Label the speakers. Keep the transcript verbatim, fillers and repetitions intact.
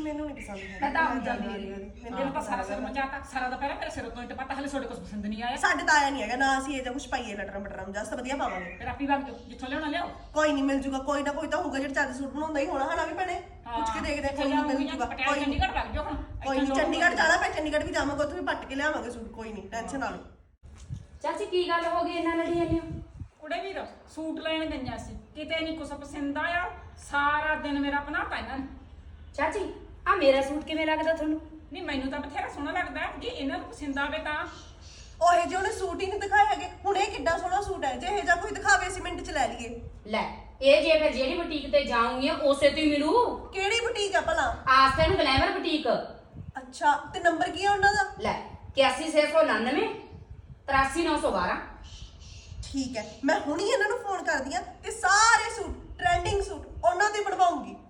Speaker 1: ਮੈਨੂੰ ਨਹੀਂ ਪਸੰਦ ਹੈ।
Speaker 2: ਮੈਂ ਤਾਂ ਆਪ ਜਾਂਦੀ ਹੈ ਮੈਨੂੰ ਤਾਂ ਸਾਰਾ ਸਿਰ ਮਚਾਤਾ ਸਾਰਾ ਦਾ ਪਹਿਲਾਂ ਮੇਰੇ ਸਿਰ ਤੋਂ ਤੇ ਪਤਾ ਹਲੇ ਤੁਹਾਡੇ ਕੋਲ ਪਸੰਦ ਨਹੀਂ ਆਇਆ।
Speaker 1: ਸਾਡੇ ਤਾਂ ਆਇਆ ਨਹੀਂ ਹੈਗਾ ਨਾ, ਅਸੀਂ ਇਹ ਜਾਂ ਕੁਝ ਪਾਈਏ ਲਟਰਾਂ ਬਟਰਾਂ ਨੂੰ, ਜਸਟ ਵਧੀਆ ਪਾਵਾਂਗੇ।
Speaker 2: ਫਿਰ ਆਪੀ ਵਗ ਜਾਓ ਜਿੱਥੋਂ ਲਿਆਉਣਾ ਲਿਆਓ।
Speaker 1: ਕੋਈ ਨਹੀਂ ਮਿਲ ਜੂਗਾ, ਕੋਈ ਨਾ ਕੋਈ ਤਾਂ ਹੋਊਗਾ ਜਿਹੜਾ ਚੱਜ ਸੂਟ ਬਣਾਉਂਦਾ ਹੀ ਹੋਣਾ ਹਨਾ ਵੀ ਭੈਣੇ। ਪੁੱਛ ਕੇ ਦੇਖਦੇ ਕੋਈ ਨਹੀਂ ਮਿਲ ਜੂਗਾ।
Speaker 2: ਪਟਿਆਲਾ ਚੰਡੀਗੜ੍ਹ ਵਗ ਜਾਓ ਹੁਣ।
Speaker 1: ਕੋਈ ਨਹੀਂ ਚੰਡੀਗੜ੍ਹ ਜਾਣਾ ਪੈ, ਚੰਡੀਗੜ੍ਹ ਵੀ ਜਾਵਾਂਗੇ, ਉੱਥੇ ਵੀ ਪੱਟ ਕੇ ਲਿਆਵਾਂਗੇ ਸੂਟ, ਕੋਈ ਨਹੀਂ ਟੈਨਸ਼ਨ ਨਾ ਲਓ।
Speaker 3: ਚਾਚੀ ਕੀ ਗੱਲ ਹੋ ਗਈ ਇਹਨਾਂ ਲੜੀ ਜਾਂਦੇ ਹੋ?
Speaker 2: ਕੁੜੇ ਵੀਰ ਸੂਟ ਲੈਣ ਗਈਆਂ ਸੀ, ਕਿਤੇ ਨਹੀਂ ਕੁਛ ਪਸੰਦ ਆਇਆ, ਸਾਰਾ ਦਿਨ ਮੇਰਾ ਬਣਾਤਾ ਇਹਨਾਂ ਨੇ।
Speaker 3: ਚਾਚੀ ਆ ਮੇਰਾ ਸੂਟ ਕਿਵੇਂ ਲੱਗਦਾ ਤੁਹਾਨੂੰ?
Speaker 2: ਨਹੀਂ ਮੈਨੂੰ ਤਾਂ ਬਥੇਰਾ ਸੋਹਣਾ ਲੱਗਦਾ, ਜੇ ਇਹਨਾਂ ਨੂੰ ਪਸੰਦ ਆਵੇ ਤਾਂ।
Speaker 1: ਉਹ ਜੇ ਉਹਨੇ ਸੂਟ ਹੀ ਨਹੀਂ ਦਿਖਾਏ ਹੈਗੇ, ਹੁਣ ਇਹ ਕਿੱਡਾ ਸੋਹਣਾ ਸੂਟ ਹੈ, ਜੇ ਇਹ ਜਾਂ ਕੋਈ ਦਿਖਾਵੇ ਅਸੀਂ ਮਿੰਟ ਚ ਲੈ ਲਈਏ।
Speaker 3: ਲੈ ਇਹ ਜੇ ਫਿਰ ਜਿਹੜੀ ਬੁਟੀਕ ਤੇ ਜਾਉਂਗੀ ਉਸੇ ਤੋਂ ਹੀ ਮਿਲੂ।
Speaker 1: ਕਿਹੜੀ ਬੁਟੀਕ ਆ ਭਲਾ?
Speaker 3: ਆਸਤੇ ਨੂੰ ਗਲੈਮਰ ਬੁਟੀਕ।
Speaker 1: ਅੱਛਾ ਤੇ ਨੰਬਰ ਕੀ ਆ ਉਹਨਾਂ ਦਾ?
Speaker 3: ਲੈ ਇਕਿਆਸੀ ਛੇ ਸੌ ਉਨਾਨਵੇਂ ਤਰਾਸੀ ਨੌ ਸੌ ਬਾਰਾਂ।
Speaker 1: ਠੀਕ ਹੈ, ਮੈਂ ਹੁਣੀ ਇਹਨਾਂ ਨੂੰ ਫੋਨ ਕਰਦੀ ਆ ਤੇ ਸਾਰੇ ਸੂਟ ਟ੍ਰੈਂਡਿੰਗ ਸੂਟ ਉਹਨਾਂ ਤੇ ਬਣਵਾਉਂਗੀ।